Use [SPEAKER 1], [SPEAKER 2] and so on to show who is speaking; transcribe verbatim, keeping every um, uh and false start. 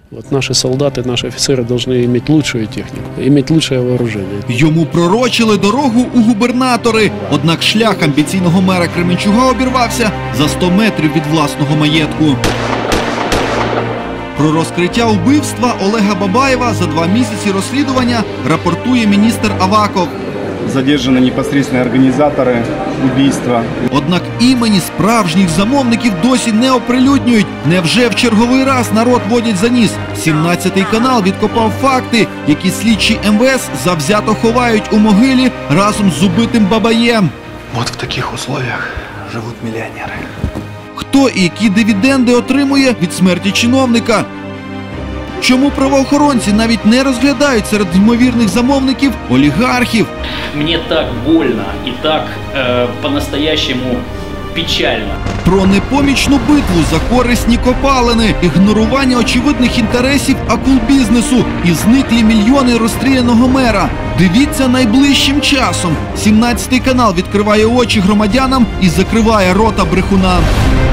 [SPEAKER 1] Вот наши солдаты, наши офицеры должны иметь лучшую технику, иметь лучшее вооружение.
[SPEAKER 2] Йому пророчили дорогу у губернатори. Однак шлях амбіційного мера Кременчуга обірвався за сто метрів від власного маєтку. Про розкриття вбивства Олега Бабаєва за два місяці розслідування рапортує міністр Аваков.
[SPEAKER 3] Задержаны непосредственно организаторы убийства.
[SPEAKER 2] Однак імені справжніх замовників досі не оприлюднюють. Невже в черговий раз народ водять за ніс? сімнадцятий канал відкопав факти, які слідчі ем ве ес завзято ховають у могилі разом з убитим Бабаєм.
[SPEAKER 4] Вот в таких условиях живут миллионеры.
[SPEAKER 2] Хто і які дивіденди отримує від смерті чиновника? Чому правоохоронці навіть не розглядають серед ймовірних замовників олігархів?
[SPEAKER 5] Мне так больно и так э, по-настоящему печально.
[SPEAKER 2] Про непомічну битву за корисні копалини, ігнорування очевидних інтересів акул-бізнесу і зниклі мільйони розстріляного мера. Дивіться найближчим часом. сімнадцятий канал відкриває очі громадянам і закриває рота брехунам.